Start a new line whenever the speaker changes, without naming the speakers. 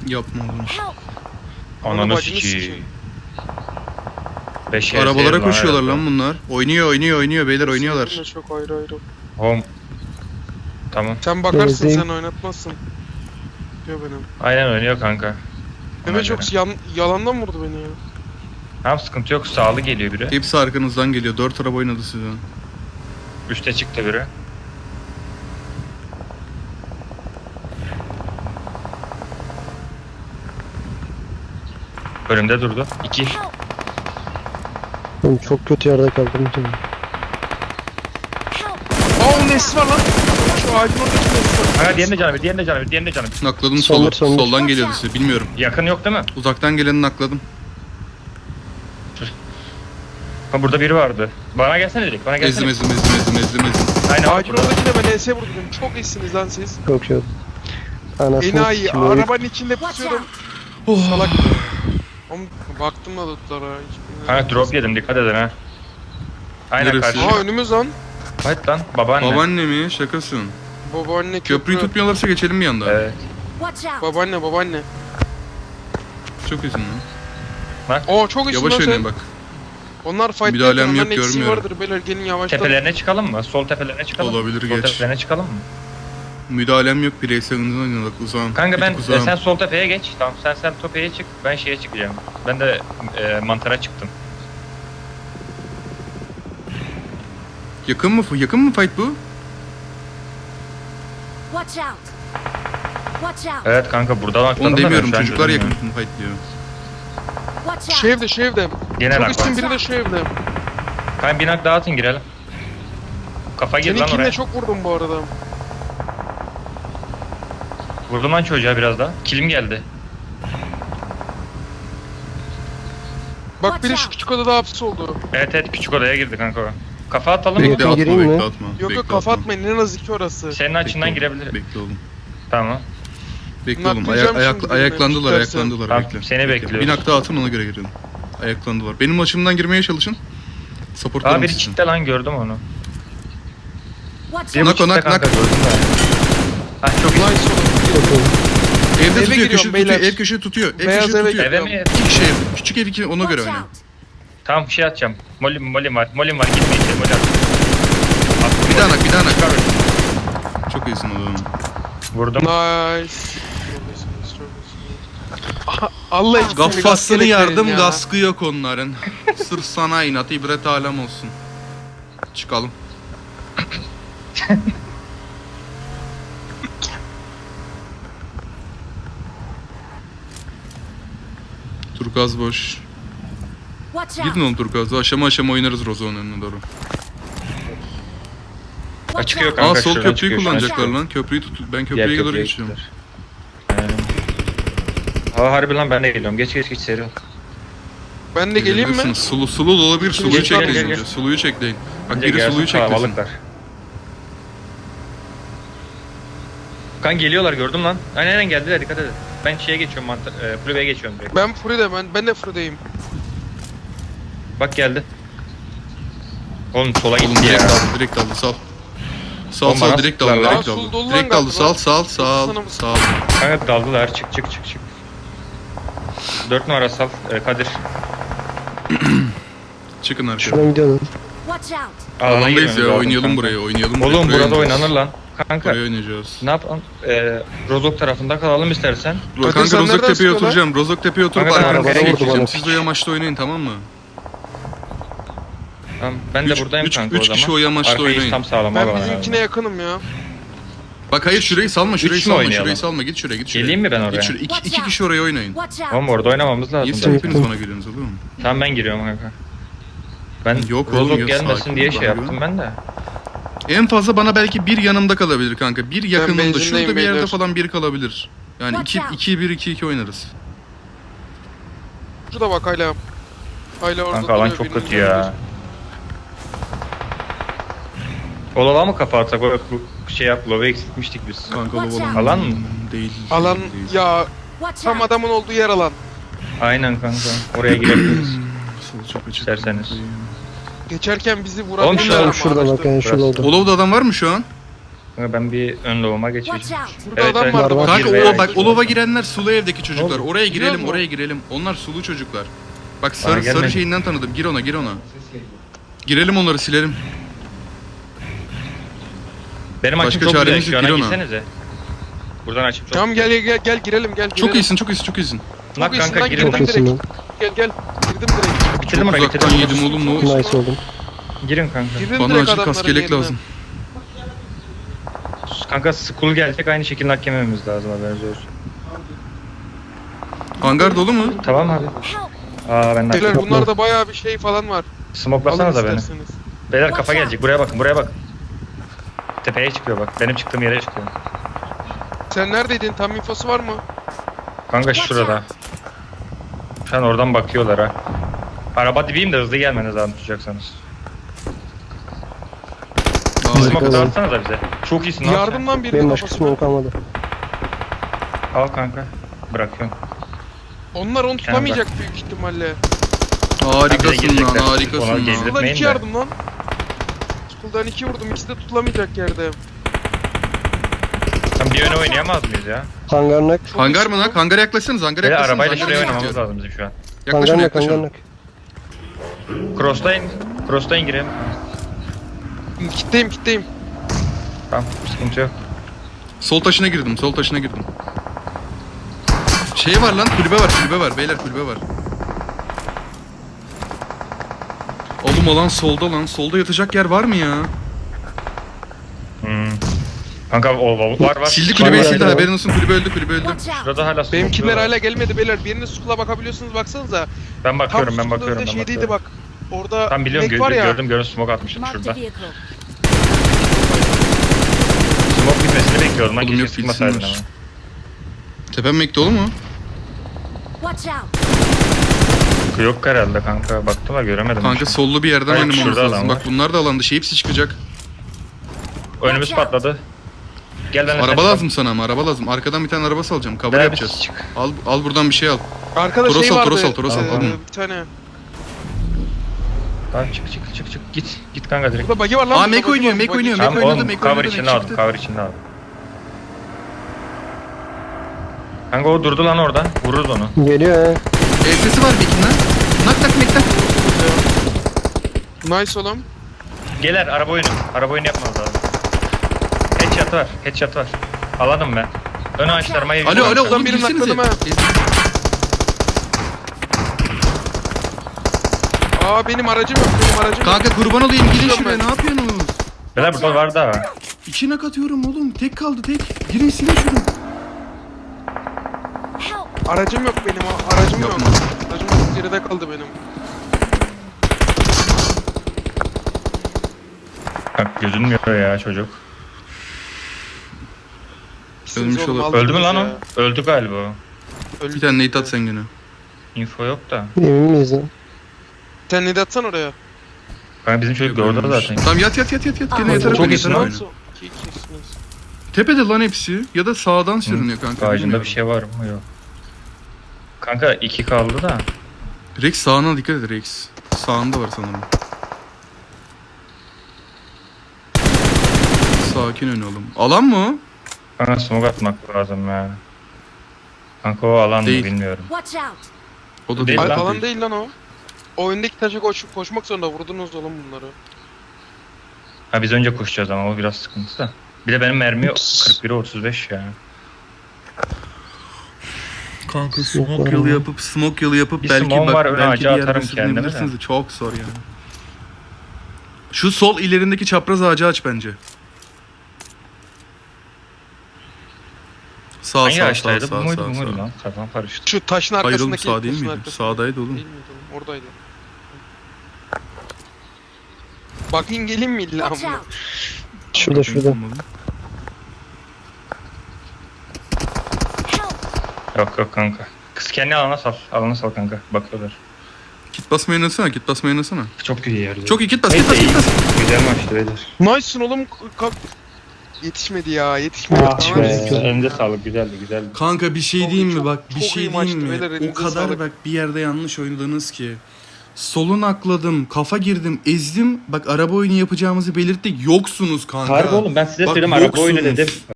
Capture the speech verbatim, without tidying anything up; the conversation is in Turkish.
Yapma oğlum.
Ananı sikiyim. Beş
Arabalara koşuyorlar lan bunlar. Oynuyor oynuyor oynuyor beyler oynuyorlar.
Seninle çok ayrı ayrı.
Home. Tamam.
Sen bakarsın
Benzin.
sen oynatmazsın. Diyor benim.
Aynen oynuyor kanka.
Mehmet çok yan, yalandan vurdu beni ya.
Tamam sıkıntı yok. Sağlı geliyor biri.
Hepsi arkanızdan geliyor. Dört araba oynadı size.
Üste çıktı biri. Önümde durdu. İki.
Oğlum çok kötü yerde kaldım.
Aa o nesi var lan. Şu ağacın oradaki nesi var.
Kanka diğerinde canı bir, diğerinde canı bir, diğerinde canı bir.
Nakladım
Solur,
solu.
solur.
Soldan geliyordu size. Bilmiyorum.
Yakın yok değil mi?
Uzaktan geleni nakladım.
Ha burada biri vardı. Bana gelsene direkt, bana
Ezdim
gelsene.
ezdim ezdim ezdim ezdim ezdim.
Aynen
Ağacın
burada.
oradakine ben E S vurdum. Çok iyisiniz lan siz.
Çok iyi. Anasını
Enayi
sikeyim, oyun-
arabanın içinde pusuyorum.
Oh.
Salak. Oğlum baktım da tutlara.
Kanka drop yedim, dikkat edin ha. Aynen
Neresi?
karşı.
Aa önümüz lan.
Hadi lan babaanne.
Babaanne mi? Şakasın.
Babaanne
Köprüyü
köprü.
tutmuyorlarsa geçelim bir anda.
Evet.
Babaanne babaanne.
Çok iyisin lan.
Oo çok iyisin
Yavaş
lan
oynayın
sen.
bak.
Onlar fight
Müdahalem
yapıyor,
yok,
onların eksiği
görmüyorum.
vardır beyler gelin yavaştan.
Tepelerine çıkalım mı? Sol tepelerine çıkalım mı?
Olabilir,
Sol
geç.
tepelerine çıkalım mı?
Müdahalem yok. Bireysel hızlı oynadık uzağım.
Kanka
Bir
ben
tık uzağım.
e, sen sol tepeye geç. Tamam sen sen tepeye çık. Ben şeye çıkacağım. Ben de e, mantara çıktım.
Yakın mı? Yakın mı fight bu?
Watch out. Watch out.
Evet kanka buradan akladım
Onu
da ben
demiyorum.
şu an
Çocuklar
gözüm
yakın
ya.
fight diyor.
Watch
Şu
out.
evde şu evde.
Genel
Çok
akla.
üstün biri de şu evde.
Kanka binak dağıtın girelim. Kafa gir lan oraya.
Seninkine çok vurdum bu arada.
Vurdum lan çocuğa biraz daha. Kilim geldi.
Bak biri şu küçük odada hapis oldu.
Evet evet küçük odaya girdi kanka o. Kafa atalım mı?
Bekle,
Bekle atma
gireyim mi?
bekle atma.
Yok
Bekle,
yok kafa
atma.
atmayın en az iki orası.
Senin açından
Bekle oğlum,
girebilir.
Bekle oğlum.
Tamam.
Bekle oğlum.
Naklayacağım
Ayak, ayak,
şimdi
ayaklandılar
beni tutarsa.
ayaklandılar.
Tamam,
bekle.
seni
Bekle.
bekliyoruz.
Bir nakta atın ona göre girelim. Ayaklandılar. Benim açımdan girmeye çalışın.
Aa
Supportlarım
biri
sizin.
çitte lan gördüm onu.
Watch
Biri
out.
bu
Nak o,
çitte
nak,
kanka
nak.
gördüm de. Ha çok iyi.
Nice oldu.
Çok iyi.
Evde
Eve
tutuyor,
giriyorum
köşe tutuyor,
beyler.
ev köşe tutuyor, ev
Beyaz
köşe
eve
tutuyor.
Eve mi?
İki kişi ev, küçük ev iki, ona göre
Watch
oyna.
out.
Tamam bir şey atacağım. Molim molim var. Molim var gitme içeri molim. Attım
Bir daha
molim.
nak, bir daha nak.
Çıkar onu.
Çok iyisin oğlum.
Vurdum.
Nice. Aha, Allah için
Gaffasını yardım, gaskı yok onların. Sırf sana inat, ibret alem olsun. Çıkalım. Turkuaz boş.
Watch
Gidin
out.
oğlum Turkuaz'da. Aşama aşama oynarız Rozo'nun önüne doğru.
Watch
Çıkıyor
out.
kanka.
Aa sol
şuradan
köprüyü
çıkıyor, şuradan
kullanacaklar
çıkıyor.
lan. Köprüyü tut. Ben
Diğer
köprüye doğru
köprüye
geçiyorum.
gittiler. Aynen. Aa harbi lan ben de geliyorum. Geç geç geç seri ol.
Ben de geleyim mi?
Gelebilirsiniz. Sulu, sulu da olabilir. Suluyu
Gel, gel,
çekleyin.
gel,
önce.
gel.
Suluyu çekleyin. Bak
Bence
biri
gelsin,
suluyu çeklesin.
kalabalıklar. Kan geliyorlar gördüm lan. Aynen aynen geldiler dikkat edin. Ben şeye geçiyorum mantar, e, kulübeye geçiyorum direkt.
Ben Furi'de ben ben de Furi'deyim.
Bak geldi. Oğlum sola
Oğlum
gitti
direkt
ya.
aldı, direkt aldı. Sal. Sal
Oğlum
sal
bana
direkt
sıktılar
aldı,
lan.
direkt
Aa,
aldı.
sul dolu lan
Direkt aldı.
galiba.
Sal sal sal
Sana mı-
sal.
Kanka daldılar çık çık çık çık. Dört numara sal e, Kadir.
Çıkın arkaya.
Şuradan gidiyorum.
Watch out.
Alana
Alandayız
girmemiz
ya.
lazım
Oynayalım
kanka.
buraya. Oynayalım buraya.
Oğlum
buraya
burada
oynayacağız.
oynanır lan. Kanka
Buraya oynayacağız.
ne yapalım? E, Rozok tarafında kalalım istersen.
Ro-
Kadir,
Kanka
sen nereden
Rozok Tepe'ye
sıkıyorsun lan?
oturacağım. Rozok Tepe'ye oturup
Kanka, ben
arkanıza
arabada vurdu
geçeceğim.
bana.
Siz de o yamaçta oynayın tamam mı?
Tamam, ben de
Üç-
buradayım
üç-
kanka
üç
o zaman.
kişi o yamaçta
Arkayı
oynayın.
tam sağlam
Ben
alalım
bizimkine
herhalde.
yakınım ya.
Bak hayır şurayı salma. Şurayı
Üç mü
salma.
oynayalım?
Şurayı salma. Git şuraya. Git şuraya.
Geleyim mi ben oraya?
Git şuraya. İki,
Watch
iki
out.
kişi oraya oynayın.
Watch out.
Oğlum orada oynamamız
Niye
lazım.
siz
zaten.
hepiniz bana geliyorsunuz oğlum?
Tamam ben giriyorum kanka. Ben
Yok oğlum,
Rozok
yok,
gelmesin
sakin
diye
ol,
şey
bana
yaptım
güven.
ben de.
En fazla bana belki bir yanımda kalabilir kanka. Bir yakınımda.
benzindeyim
Şurada bir yerde
beyler.
falan biri kalabilir. Yani
Watch
iki,
out.
iki, bir, iki, iki oynarız.
Şurada bak hala. Hala orada
Kanka alan
duruyor,
çok
birinin
kötü ya. Olala mı kapatsak o bu şey yap love eksiltmiştik biz.
Kanka
Watch
Lovalan
out.
Alan mı?
Değil.
Alan
değil, değil.
ya
Watch
tam
out.
adamın olduğu yer alan.
Aynen kanka oraya girebiliriz.
Sol çok açık.
İsterseniz.
Geçerken bizi
Oğlum
vurabilirler
şurada-
ama
Şurada bak
araçta.
yani şurada oldu.
Olov'da adam var mı şu an?
Kanka ben bir ön lovuma
Watch
geçeceğim.
out!
Burada
Evet,
adam
evet.
vardı
Var,
bak.
var.
Kanka
Girmeye
o bak
başladı.
o lova girenler sulu evdeki çocuklar.
Oğlum,
Oraya girelim
biliyor
oraya girelim. Onlar sulu çocuklar. Bak
Bana
sarı sarı
gelmedi.
şeyinden tanıdım. Gir ona gir ona. Girelim onları silelim.
Benim açım
Başka
çok güzel.
çaremiz
Şu
yok,
ana
gir ona.
gitsenize. Buradan açım çok
Tamam
güzel.
gel gel gel girelim gel.
Çok
girelim.
iyisin çok iyisin çok iyisin.
Nak
iyisin
kanka
lan,
girin.
girdim
Çok iyisin
direkt.
lan.
Gel gel. Girdim direkt.
Bitirdim
Çok
orayı
uzaktan
bitirdim.
yedim oğlum ne oldu?
Nice oldum.
Girin kanka.
Girdim
Bana
direkt
acil
adamların
kaskelek
yerine.
lazım.
Kanka school gelecek aynı şekilde hak yemememiz lazım haberiniz olsun.
Hangar dolu mu?
Tamam abi.
Help!
Aa ben de
Beyler
haklıyım.
bunlarda bayağı bir şey falan var. Alın
Smoklasanıza beni.
isterseniz.
Beyler kafa gelecek. Buraya bakın buraya bakın. Tepeye çıkıyor bak. Benim çıktığım yere çıkıyor.
Sen neredeydin? Tam infosu var mı?
Kanka
Watch
şurada.
out!
Şu an oradan bakıyorlar ha. Araba dibiyim de hızlı gelmeniz lazım tutacaksanız.
Harika.
Smoke
Harika.
dağıtsana da bize. Çok iyisin lan sen.
Yardımdan birinin
Benim başka
kafasına.
smoke kalmadı.
Al kanka. Bırakıyorum.
Onlar onu tutamayacak büyük ihtimalle.
Harikasın lan
girecekler. Ona
harikasın lan.
gelir.
School'dan
Etmeyin
iki
de.
yardım lan. School'dan iki vurdum. İkisi de tutulamayacak yerde.
Sen bir yöne oynayamaz mıyız ya?
Hangar nak.
Çok
Hangar
iyisin
mı lan? Hangara yaklaşsanız hangara
Böyle
yaklaşsanız.
arabayla
hangara
şuraya
yaklaşın.
oynamamız lazım bizim şu an.
Yaklaşın
Hangar nak. Hangar
yaklaşın.
nak.
Cross'tayın. Cross'tayın girelim.
Kitleyim kitleyim.
Tamam sıkıntı yok.
Sol taşına girdim sol taşına girdim. Şey var lan kulübe var kulübe var beyler kulübe var. Oğlum alan solda lan. Solda yatacak yer var mı ya?
Hmm. Kanka o, o var var.
Sildi
Var,
kulübeyi
var,
sildi
var.
haberin olsun kulübe öldü kulübe öldü.
Watch out!
Şurada hala
Benimkiler
smoke'luyorlar.
hala gelmedi beyler. Biriniz School'a bakabiliyorsunuz baksanıza.
Ben bakıyorum
Tam
ben
School'un
bakıyorum
önünde
ben
şeydeydi
bakıyorum.
bak. Orada
Tam biliyorum
inek
gö
var ya.
gördüm gördüm smoke atmıştım
Mark the
şurada.
vehicle.
Smoke bitmesini bekliyordum lan
Oğlum
keşke
yok,
sıkmasaydın ama.
bilsinler. Tepem mekte olur mu?
Watch out!
Yok herhalde kanka baktım ama göremedim.
Kanka
hiç.
sollu bir yerden
Hayır,
oynamamız
şurada
lazım.
adam
Bak
var.
bunlar da alan dışı hepsi çıkacak.
Önümüz patladı. Gel ben
Araba lazım sana ama araba lazım. Arkadan bir tane araba salacağım. Cover yapacağız.
Çık.
Al al buradan bir şey al.
Arkada
Toros
şey
al,
vardı.
Toros al, Toros al,
ee,
alın.
Bir tane.
Tamam çık çık çık çık git git kanka direkt.
Burada bagi var lan.
Aa
burada
Mek
bagi
oynuyor,
var,
Mek
bagi.
oynuyor,
Tamam
Mek oynadı,
oğlum
Mek
cover
oynadı,
içinde
Mek
aldım
çıktı.
cover içinde aldım. Kanka o durdu lan orada. Vururuz onu.
Geliyor he.
E sesi var Mek'in lan. Nak nak Mek nak.
Nice oğlum.
Geler araba oyunu. Araba oyunu yapmamız lazım. Headshot var. Headshot var. Aladım ben. Ön ağaçlarıma
Alo
yürüyorum.
alo
Şuradan
oğlum
birini
girsenize.
nakladım Aa benim aracım yok. Benim aracım yok.
Kanka kurban olayım gidin
Gidiyorum
şuraya
ben.
ne yapıyorsunuz?
Beyler burada var da.
İki nak atıyorum oğlum. Tek kaldı tek. Girin silin şunu.
Help!
Aracım yok benim. a- Aracım yok.
Yapma.
Aracım yok. Geride kaldı benim.
Bak gözünmüyor ya çocuk.
Siz
Ölmüş
oğlum,
olur.
aldınız
Öldü mü lan
ya.
o? Öldü galiba o.
Öldü.
Bir tane nade at sen gene.
Info yok da.
Emin miyiz lan?
Sen ne de atsan oraya.
Kanka bizim çocuk da orada zaten.
Tamam yat yat yat yat yat. Gene
Aa,
yatarak
çok
oyna,
iyisin
yatarak
lan.
oyna.
İki ikisiniz.
Tepede lan hepsi. Ya da sağdan sürünüyor kanka.
Ağacında
bilmiyorum.
bir şey var mı? Yok. Kanka iki kaldı da.
Rex sağına dikkat et Rex. Sağında var sanırım. Sakin ön oğlum. Alan mı o?
Kanka smoke atmak lazım ya. Kanka o alan mı
Değil.
bilmiyorum.
Watch out!
O da
Değil
değil.
Ay,
lan.
falan değil lan o. O öndeki taşa koş, koşmak zorunda vurdunuz oğlum bunları.
Ha biz önce koşacağız ama o biraz sıkıntı da. Bir de benim mermi kırk bire otuz beş ya.
Kanka
Smoke
smoke yolu yapıp smoke yolu yapıp
Bir
belki
smoke
bak
var, ön
belki
ağaca
bir yerde
atarım kendimi de.
sürünebilirsiniz de çok zor ya. Şu sol ilerindeki çapraz ağacı aç bence. Sağ
Hangi
sağ sağ
ağaçtaydı? Bu
sağ
muydu
sağ
bu muydu
sağ.
lan? Kafam karıştı.
Şu taşın
Hayır oğlum
arkasındaki.
sağ değil
taşın
miydi?
arkasında.
Sağdaydı oğlum.
Değil miydi oğlum? Oradaydı. Bakayım geleyim mi illa
Watch
mı?
out!
Şurada şurada.
Help!
Yok yok kanka. Kız kendi alana sal. Alana sal kanka. Bakıyorlar.
Kit basmayı oynasana, kit basmayı oynasana.
Çok iyi yerde.
Çok iyi kit bas, kit bas, kit bas.
Güzel maçtı beyler.
Nice'sın oğlum. Kalk. Yetişmedi ya yetişmedi.
Ah
Tamam.
be.
Elinize sağlık güzeldi güzeldi.
Kanka bir şey
Çok-
diyeyim mi
çok-
bak bir
çok iyi
şey
maçtı
diyeyim mi?
beyler,
O
elinize
kadar
sağlık.
bak bir yerde yanlış oynadınız ki. Solun akladım, kafa girdim, ezdim. Bak araba oyunu yapacağımızı belirttik. Yoksunuz kanka.
Harbi oğlum ben size
Bak,
söyleyeyim araba oyunu
yoksunuz.
dedim.